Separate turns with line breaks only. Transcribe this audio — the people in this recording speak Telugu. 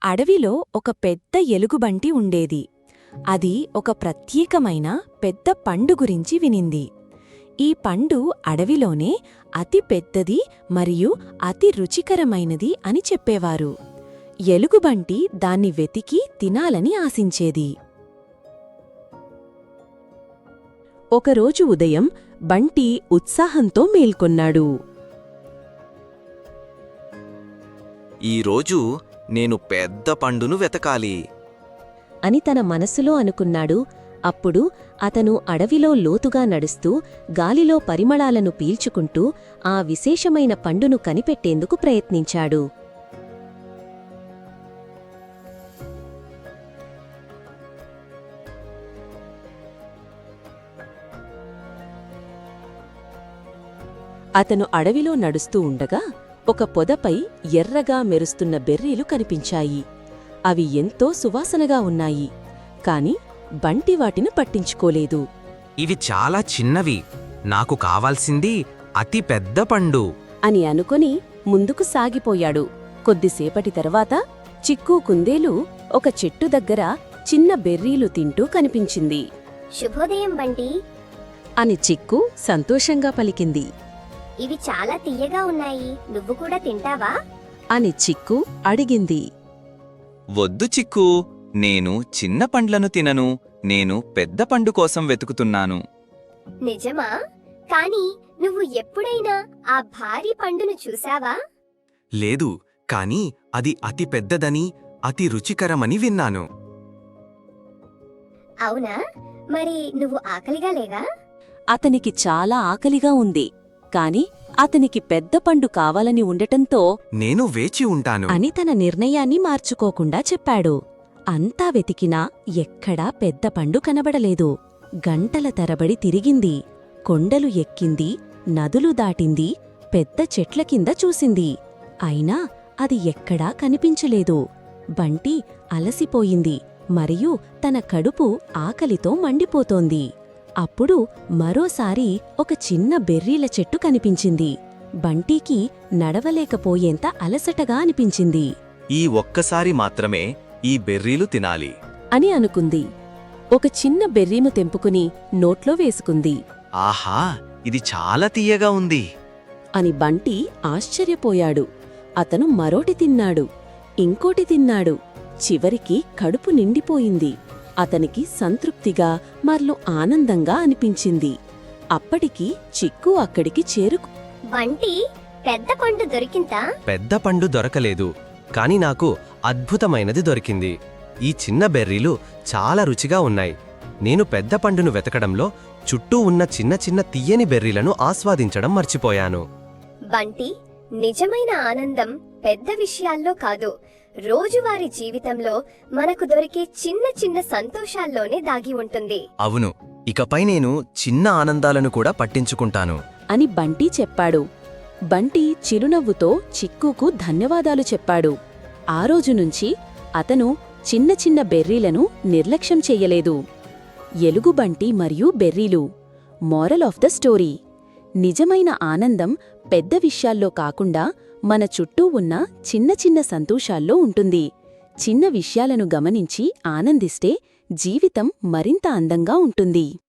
అడవిలో ఒక పెద్ద ఎలుగుబంటి ఉండేది. అది ఒక ప్రత్యేకమైన పెద్ద పండు గురించి వినింది. ఈ పండు అడవిలోనే అతి పెద్దది మరియు అతి రుచికరమైనది అని చెప్పేవారు. ఎలుగుబంటి దాన్ని వెతికి తినాలని ఆశించేది. ఒకరోజు ఉదయం బంటి ఉత్సాహంతో మేల్కొన్నాడు.
ఈరోజు నేను పెద్ద పండును వెతకాలి
అని తన మనసులో అనుకున్నాడు. అప్పుడు అతను అడవిలో లోతుగా నడుస్తూ గాలిలో పరిమళాలను పీల్చుకుంటూ ఆ విశేషమైన పండును కనిపెట్టేందుకు ప్రయత్నించాడు. అతను అడవిలో నడుస్తూ ఉండగా ఒక పొదపై ఎర్రగా మెరుస్తున్న బెర్రీలు కనిపించాయి. అవి ఎంతో సువాసనగా ఉన్నాయి. కాని బంటి వాటిని పట్టించుకోలేదు.
ఇవి చాలా చిన్నవి, నాకు కావాల్సింది అతి పెద్ద పండు
అని అనుకుని ముందుకు సాగిపోయాడు. కొద్దిసేపటి తర్వాత చిక్కు కుందేలు ఒక చెట్టు దగ్గర చిన్న బెర్రీలు తింటూ కనిపించింది.
శుభోదయం బంటి
అని చిక్కు సంతోషంగా పలికింది.
ఇవి చాలా తియ్యగా ఉన్నాయి, నువ్వు కూడా తింటావా
అని చిక్కు అడిగింది.
వద్దు చిక్కు, నేను చిన్న పండ్లను తినను. నేను పెద్ద పండు కోసం వెతుకుతున్నాను.
నిజమా? కాని నువ్వు ఎప్పుడైనా ఆ భారీ పండును చూశావా?
లేదు, కాని అది అతి పెద్దదని అతి రుచికరమని విన్నాను.
అవునా? మరి నువ్వు ఆకలిగా లేవా?
అతనికి చాలా ఆకలిగా ఉంది. కాని అతనికి పెద్ద పండు కావాలని ఉండటంతో
నేను వేచి ఉంటాను
అని తన నిర్ణయాన్ని మార్చుకోకుండా చెప్పాడు. అంతా వెతికినా ఎక్కడా పెద్ద పండు కనబడలేదు. గంటల తరబడి తిరిగింది. కొండలు ఎక్కింది, నదులు దాటింది, పెద్ద చెట్ల కింద చూసింది. అయినా అది ఎక్కడా కనిపించలేదు. బంటి అలసిపోయింది మరియు తన కడుపు ఆకలితో మండిపోతోంది. అప్పుడు మరోసారి ఒక చిన్న బెర్రీల చెట్టు కనిపించింది. బంటీకి నడవలేకపోయేంత అలసటగా అనిపించింది.
ఈ ఒక్కసారి మాత్రమే ఈ బెర్రీలు తినాలి
అని అనుకుంది. ఒక చిన్న బెర్రీను తెంపుకుని నోట్లో వేసుకుంది.
ఆహా, ఇది చాలా తీయగా ఉంది
అని బంటి ఆశ్చర్యపోయాడు. అతను మరోటి తిన్నాడు, ఇంకోటి తిన్నాడు. చివరికి కడుపు నిండిపోయింది. అతనికి సంతృప్తిగా మరలు ఆనందంగా అనిపించింది. అప్పటికి చిక్కు అక్కడికి చేరుకు.
బంటి, పెద్ద పండు దొరికిందా?
పెద్ద పండు దొరకలేదు, కాని నాకు అద్భుతమైనది దొరికింది. ఈ చిన్న బెర్రీలు చాలా రుచిగా ఉన్నాయి. నేను పెద్ద పండును వెతకడంలో చుట్టూ ఉన్న చిన్న చిన్న తియ్యని బెర్రీలను ఆస్వాదించడం మర్చిపోయాను.
బంటి, నిజమైన ఆనందం పెద్ద విషయాల్లో కాదు, రోజువారీ జీవితంలో మనకు దొరికే చిన్న చిన్న సంతోషాల్లోనే దాగి ఉంటుంది.
అవును, ఇకపై నేను చిన్న ఆనందాలను కూడా పట్టించుకుంటాను
అని బంటి చెప్పాడు. బంటి చిరునవ్వుతో చిక్కుకు ధన్యవాదాలు చెప్పాడు. ఆ రోజునుంచి అతను చిన్న చిన్న బెర్రీలను నిర్లక్ష్యం చెయ్యలేదు. ఎలుగుబంటి మరియు బెర్రీలు. మోరల్ ఆఫ్ ద స్టోరీ: నిజమైన ఆనందం పెద్ద విషయాల్లో కాకుండా మన చుట్టూ ఉన్న చిన్న చిన్న సంతోషాల్లో ఉంటుంది. చిన్న విషయాలను గమనించి ఆనందిస్తే జీవితం మరింత అందంగా ఉంటుంది.